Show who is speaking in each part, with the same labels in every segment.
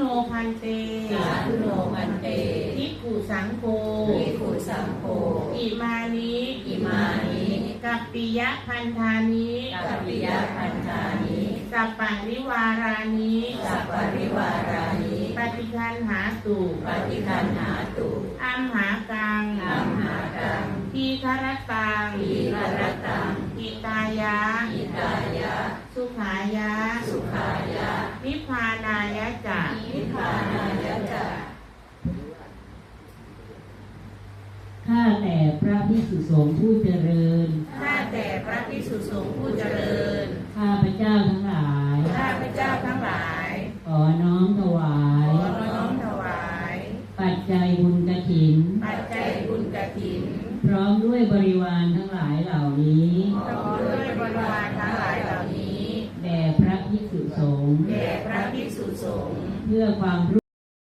Speaker 1: พันเต
Speaker 2: สาธุโนพันเต
Speaker 1: ภิกขุสังโฆ
Speaker 2: ภิกขุสังโฆ
Speaker 1: อิมานิกัปปิยะพันธานิ
Speaker 2: กัปปิยะพันธานิ
Speaker 1: สัปปะริวารานิ
Speaker 2: สัปปะริวารานิ
Speaker 1: ปฏิคันหาตุ
Speaker 2: ปฏิคันหาตุ
Speaker 1: อัมหากังทีฆรตังอิตายะสุขายะนิพพานายะจะ
Speaker 3: ข้าแต่พระภิกษุสงฆ์ผู้เจริญ
Speaker 1: ข้าแต่พระภิกษุสงฆ์ผู้เจริญ
Speaker 3: ข้าพเจ้าทั้งหลายขอน้อมถวายปัจจัยบุญกฐินพร้อมด้วยบริวารทั้งหลายเหล่านี้แด่พระภิกษุสงฆ์เพื่อความรู้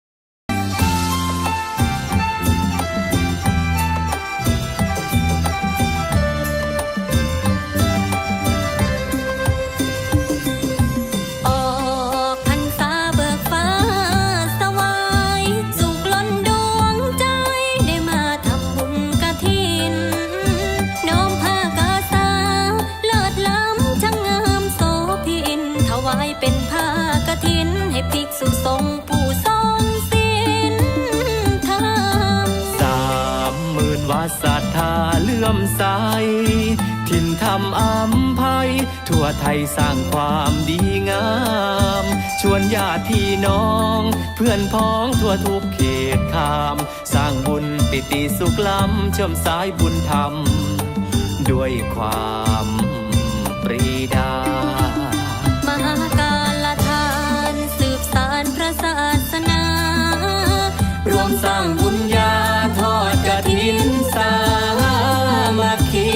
Speaker 4: เป็นผ้ากฐินให้ภิกษุสงฆ์ผู้ทรงศีลธรรม
Speaker 5: 30,000 วัดศรัทธาเลื่อมใสถิ่นธรรมอัมภัยทั่วไทยสร้างความดีงามชวนญาติพี่น้องเพื่อนพ้องทั่วทุกเขตขามสร้างบุญปิติสุขล้ำเชื่อมสายบุญธรรมด้วยความปรีดาม
Speaker 4: หากาลทานสืบสานพระศาสนาร
Speaker 5: วมสร้างบุญญาทอดกฐินสามัคคี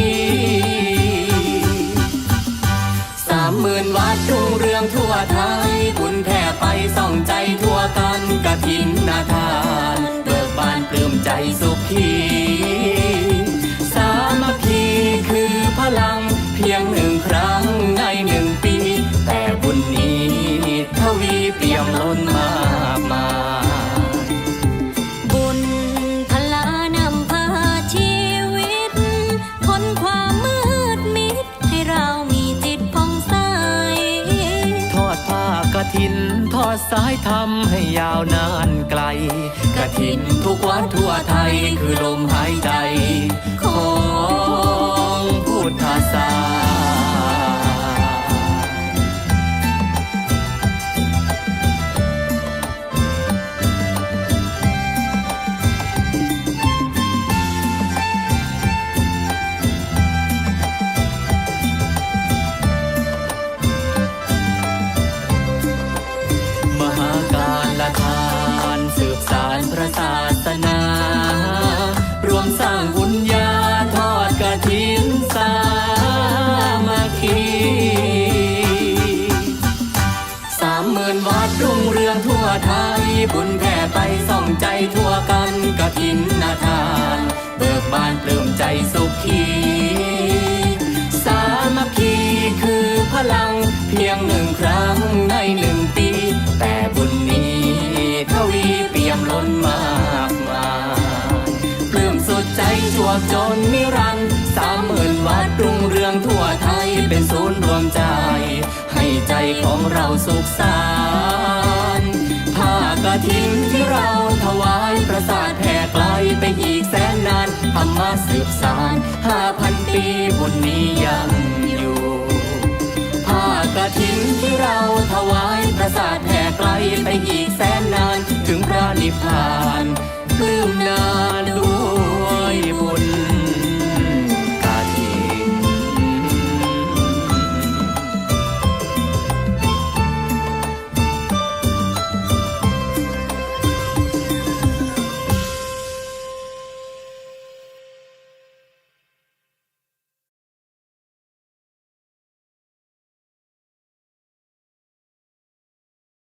Speaker 5: 30,000 วัดรุ่งเรืองทั่วไทยบุญแผ่ไปส่องใจทั่วกันกฐินนาทานเบิกบานปลื้มใจสุขีสามัคคีคือพลังเพียง1 ครั้งใน1 ปีแต่บุญนี้ทวีเปี่ยมล้นมากมาย
Speaker 4: บุญพลานำพาชีวิตพ้นความมืดมิดให้เรามีจิตผ่องใส
Speaker 5: ทอดผ้ากฐินทอดสายธรรมให้ยาวนานไกลกฐินทุกวัดทั่วไทยคือลมหายใจของพุทธศาสนสืบสานพระศาสนารวมสร้างบุญญาทอดกฐินสามัคคี30,000 วัดรุ่งเรืองทั่วไทยบุญแผ่ไปส่องใจทั่วกันกฐินนาทานเบิกบานปลื้มใจสุขีสามัคคีคือพลังเพียง1 ครั้งใน1 ปีแต่บุญนี้ทวีเปี่ยมล้นมากมายปลื้มสุดใจจวบจนนิรันดร์30,000 วัดรุ่งเรืองทั่วไทยเป็นศูนย์รวมใจให้ใจของเราสุขสานผ้ากฐินที่เราถวายประสาทแผ่ไกลไปอีกแสนนานธรรมะสืบสาน 5,000 ปีบุญนี้ยังอยู่ผ้ากฐินที่เราถวายประสาทแผ่ไกลไปอีกแสนนานถึงพระนิพพานปลื้มนาน